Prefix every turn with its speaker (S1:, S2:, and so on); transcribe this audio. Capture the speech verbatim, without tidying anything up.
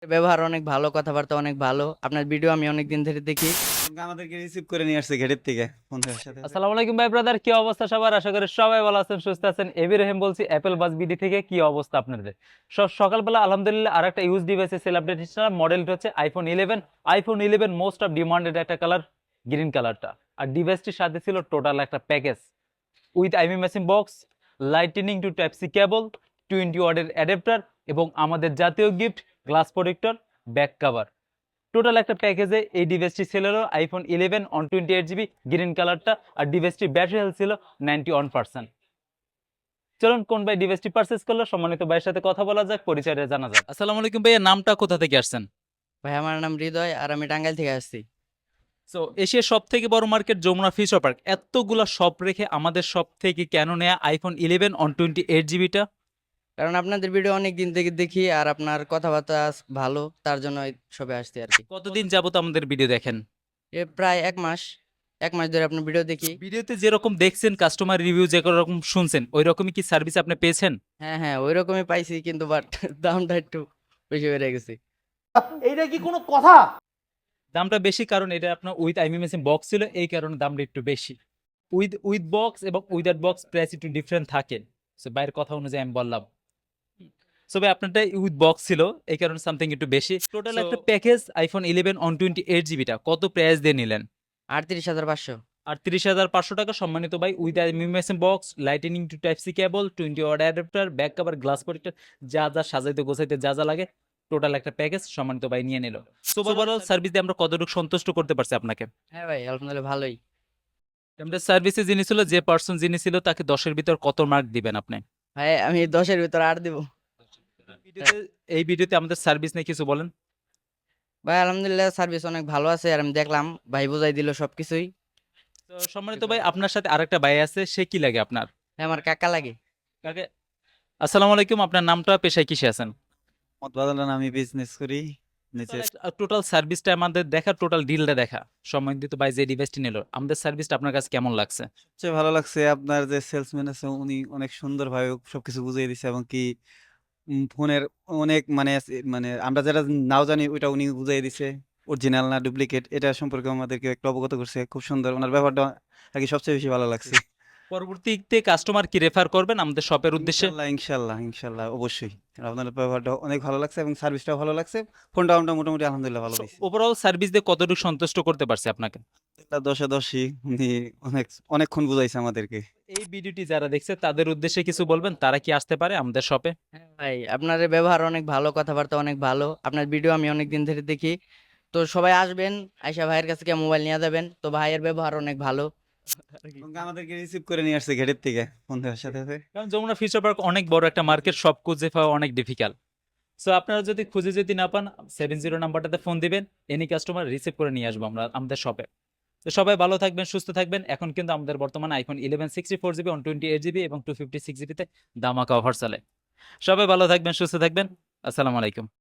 S1: ব্যবহার অনেক ভালো, কথাবার্তা অনেক ভালো। আপনার ভিডিও আমি অনেকদিন ধরে দেখি।
S2: আমাদেরকে রিসিভ করে নিয়ে আসছে গেটের থেকে বন্ধুদের সাথে সাথে।
S3: আসসালামু আলাইকুম ভাই ব্রাদার, কি অবস্থা সবার? আশা করি সবাই ভালো আছেন, সুস্থ আছেন। এবি রহিম বলছি অ্যাপেল বাস বিডি থেকে। কি অবস্থা আপনাদের? সব সকালবেলা আলহামদুলিল্লাহ আর একটা ইউজ ডিভাইসে সেল আপডেট দিচ্ছিলাম। মডেলটা হচ্ছে iPhone eleven. IPhone eleven most of demanded একটা কালার, গ্রিন কালারটা। আর ডিভাইসটির সাথে ছিল টোটাল একটা package with IMEI matching box, lightning to type C cable, twenty ওয়াটের অ্যাডাপ্টার এবং আমাদের জাতীয় gift glass protector, back cover. Total একটা প্যাকেজে এই ডিভাইসটি ছিল iPhone eleven one twenty eight GB green কালারটা। আর ডিভাইসটির ব্যাটারি হেলথ ছিল নাইনটি ওয়ান পার্সেন্ট। চলুন কোন ভাই ডিভাইসটি পারচেস করলো সম্মানিত ভাইয়ের সাথে কথা বলা যাক, পরিচয়টা জানা যাক। আসসালামু আলাইকুম ভাইয়া, নামটা কোথা থেকে আসছেন?
S1: ভাই আমার নাম হৃদয় আর আমি টাঙ্গাইল থেকে আসছি।
S3: সো এশিয়ার সব থেকে বড় মার্কেট যমুনা ফিউচার পার্ক, এতগুলা শপ রেখে আমাদের সব থেকে কেন নেয়া iPhone eleven one twenty eight জিবিটা?
S1: কারণ আপনাদের ভিডিও অনেক দিন থেকে দেখি আর আপনার কথাবার্তা ভালো, তার জন্য সবে আসছি আর কি।
S3: কতদিন যাবত আমাদের ভিডিও দেখেন?
S1: এ প্রায় এক মাস এক মাস ধরে আপনার ভিডিও দেখি।
S3: ভিডিওতে যেরকম দেখছেন, কাস্টমার রিভিউ যেরকম শুনছেন, ওই রকমই কি সার্ভিস আপনি পেয়েছেন?
S1: হ্যাঁ হ্যাঁ ওই রকমই পাইছি, কিন্তু বাট দামটা একটু বেশি বেড়ে গেছে।
S4: এইটা কি কোনো কথা?
S3: দামটা বেশি কারণ এটা আপনার উইথ আইমিমেসিং বক্স ছিল, এই কারণে দামটা একটু বেশি। উইথ উইথ বক্স এবং উইদাউট বক্স প্রাইস একটু ডিফারেন্ট থাকে। সো বাইরের কথা অনুযায়ী আমি বললাম। সো ভাই আপনারটা উইথ বক্স ছিল, এই কারণে সামথিং একটু বেশি। টোটাল একটা package iPhone eleven one twenty eight জিবিটা কত প্রাইস দিয়ে নিলেন?
S1: আটত্রিশ হাজার পাঁচশো।
S3: আর তিরিশ হাজার পাঁচশো টাকা সম্মানিত ভাই, with IMEI matching box, lightning to type C cable, twenty watt adapter, back cover, glass protector, যা যা সাজাইতে গোছাইতে যা যা লাগে টোটাল একটা প্যাকেজ সম্মানিত ভাই নিয়ে নিল। সো ওভারঅল সার্ভিস দিয়ে আমরা কতটুকু সন্তুষ্ট করতে পারছি আপনাকে?
S1: হ্যাঁ ভাই আলহামদুলিল্লাহ ভালোই।
S3: আমাদের সার্ভিসে যিনি ছিল, যে পার্সন যিনি ছিল, তাকে দশের ভিতর কত মার্ক দিবেন আপনি?
S1: ভাই আমি দশের ভিতর আট দিব।
S3: ভিডিওতে এই ভিডিওতে আমাদের সার্ভিস নিয়ে কিছু বলেন।
S1: ভাই আলহামদুলিল্লাহ সার্ভিস অনেক ভালো আছে, আর আমি দেখলাম ভাই বুঝাই দিল সবকিছুই।
S3: তো সম্মানিত ভাই, আপনার সাথে আরেকটা ভাই আছে, সে কি লাগে আপনার?
S1: হ্যাঁ আমার কাকা লাগে।
S3: কাকে? আসসালামু আলাইকুম, আপনার নামটা, পেশায় কিসে আছেন?
S2: মত বাদলান, আমি বিজনেস করি নিচে।
S3: টোটাল সার্ভিসটা আমাদের দেখা, টোটাল ডিলটা দেখা। সম্মানিত ভাই যে ডিভাইসটি নিল, আমাদের সার্ভিসটা আপনার কাছে কেমন লাগছে?
S2: সবচেয়ে ভালো লাগছে আপনার যে সেলসম্যান আছে, উনি অনেক সুন্দরভাবে সবকিছু বুঝিয়ে দিছে, এবং কি উম, ফোনের অনেক মানে আছে- মানে আমরা যারা নাও জানি ওইটা উনি বুঝিয়ে দিছে, অরিজিনাল না ডুপ্লিকেট এটা সম্পর্কে আমাদেরকে একটু অবগত করছে। খুব সুন্দর ওনার ব্যাপারটা আর কি সবচেয়ে বেশি ভালো লাগছে।
S3: পরবর্তীতে কাস্টমার কি রেফার করবেন আমাদের শপের উদ্দেশ্যে?
S2: ইনশাল্লাহ ইনশাল্লাহ ইনশাল্লাহ অবশ্যই। আপনার ব্যাপারটা অনেক ভালো লাগছে এবং সার্ভিসটাও ভালো লাগছে। ফোনটা আমরা মোটামুটি আলহামদুলিল্লাহ ভালো পাইছি।
S3: ওভারঅল সার্ভিস দিয়ে কতটুকু সন্তুষ্ট করতে পারছে আপনাকে?
S2: এটা দশে দশই, উনি অনেক অনেকক্ষণ বুঝাইছে আমাদেরকে।
S3: এই ভিডিওটি যারা দেখছে তাদের উদ্দেশ্যে কিছু বলবেন, তারা কি আসতে পারে আমাদের শপে?
S1: হ্যাঁ ভাই আপনার ব্যবহার অনেক ভালো, কথাবার্তা অনেক ভালো। আপনার ভিডিও আমি অনেক দিন ধরে দেখি। তো সবাই আসবেন, আয়শা ভাইয়ের কাছে গিয়ে মোবাইল নিয়ে যাবেন। তো ভাইয়ের ব্যবহার অনেক ভালো।
S2: এবং আমাদেরকে রিসিভ করে নিয়ে আসছে গেটের থেকে বন্ধুদের সাথে সাথে।
S3: কারণ যমুনা ফিউচার পার্ক অনেক বড় একটা মার্কেট, সব খুঁজে পাওয়া অনেক ডিফিকাল্ট। সো আপনারা যদি খুঁজে যদি না পান, সেভেন জিরো নাম্বারটাতে ফোন দিবেন, এনি কাস্টমার রিসিভ করে নিয়ে আসবো আমরা আমাদের শপে। তো সবাই ভালো থাকবেন, সুস্থ থাকবেন। এখন কিন্তু আমাদের বর্তমানে iPhone eleven sixty four GB one twenty eight GB এবং টু ফিফটি সিক্স জিবিতে দামাকা অফার চলে। সবাই ভালো থাকবেন, সুস্থ থাকবেন। আসসালামু আলাইকুম।